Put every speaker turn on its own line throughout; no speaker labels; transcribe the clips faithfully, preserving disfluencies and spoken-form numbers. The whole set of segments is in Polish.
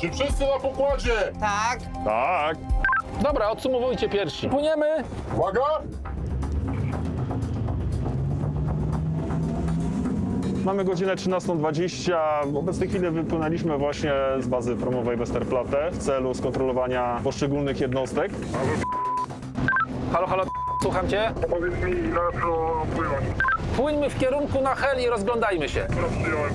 Czy wszyscy na pokładzie?
Tak.
Tak.
Dobra, odsumowujcie pierwsi. Płyniemy.
Uwaga!
Mamy godzinę trzynastą dwadzieścia. W obecnej chwili wypłynęliśmy właśnie z bazy promowej Westerplatte w celu skontrolowania poszczególnych jednostek.
Halo, halo, słucham cię.
Powiedz mi, na co płynąć.
Płyńmy w kierunku na hel i rozglądajmy się.
Przyjąłem.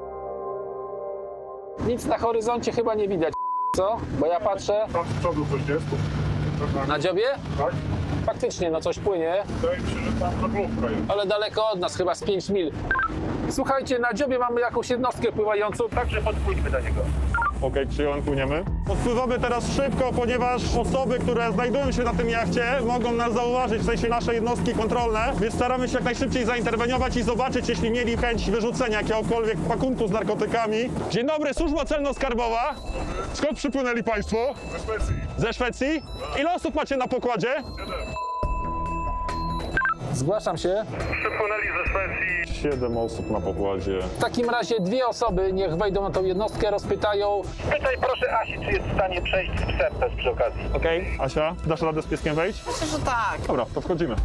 Nic na horyzoncie chyba nie widać, co? Bo ja patrzę
Tam z przodu coś jest.
na dziobie.
Tak?
Faktycznie, no coś płynie,
Wydaje mi się, że tam żaglówka jest.
ale daleko od nas, chyba z pięć mil. Słuchajcie, na dziobie mamy jakąś jednostkę pływającą, także podpłyńmy do niego.
Okej, przyjąłem, płyniemy. Odpływamy teraz szybko, ponieważ osoby, które znajdują się na tym jachcie, mogą nas zauważyć, w sensie nasze jednostki kontrolne, więc staramy się jak najszybciej zainterweniować i zobaczyć, jeśli mieli chęć wyrzucenia jakiegokolwiek pakunku z narkotykami. Dzień dobry, służba celno-skarbowa. Skąd przypłynęli państwo?
Ze Szwecji.
Ze Szwecji? Ile osób macie na pokładzie?
Zgłaszam się.
Przypłynęli ze Szwecji.
Siedem osób na pokładzie.
W takim razie dwie osoby niech wejdą na tą jednostkę, rozpytają.
Pytaj proszę Asi, czy jest w stanie przejść z psem też przy okazji.
Okej. Asia, dasz radę z pieskiem wejść?
Myślę, że tak.
Dobra, to wchodzimy.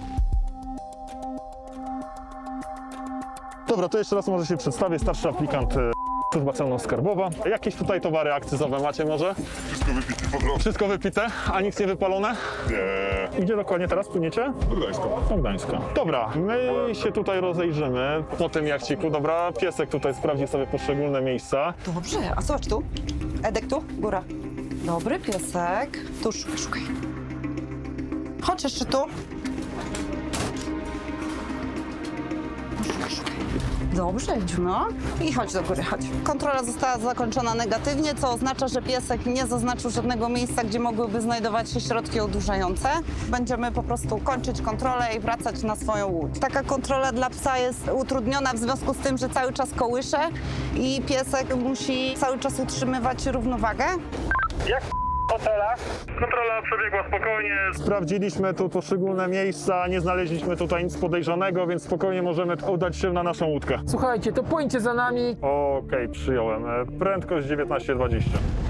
Dobra, to jeszcze raz może się przedstawię. Starszy aplikant e, Służba Celno-Skarbowa. Jakieś tutaj towary akcyzowe macie może?
Wszystko wypite po prostu.
Wszystko wypite, a nic nie wypalone?
Nie.
Gdzie dokładnie teraz płyniecie?
Do Gdańska.
Do Gdańska. Dobra, my się tutaj rozejrzymy po tym jachciku. Dobra, piesek tutaj sprawdzi sobie poszczególne miejsca.
Dobrze, a zobacz tu. Edek tu, góra. Dobry piesek. Tu szukaj, szukaj. Chodź jeszcze tu. Szukaj, szukaj. Dobrze, Edziu, no. I chodź do góry, chodź. Kontrola została zakończona negatywnie, co oznacza, że piesek nie zaznaczył żadnego miejsca, gdzie mogłyby znajdować się środki odurzające. Będziemy po prostu kończyć kontrolę i wracać na swoją łódź. Taka kontrola dla psa jest utrudniona w związku z tym, że cały czas kołysze i piesek musi cały czas utrzymywać równowagę.
Jak w hotelach? Kontrola przebiegła spokojnie.
Sprawdziliśmy tu poszczególne miejsca, nie znaleźliśmy tutaj nic podejrzanego, więc spokojnie możemy udać się na naszą łódkę.
Słuchajcie, to płyńcie za nami.
Okej, przyjąłem. E, Prędkość dziewiętnaście dwadzieścia.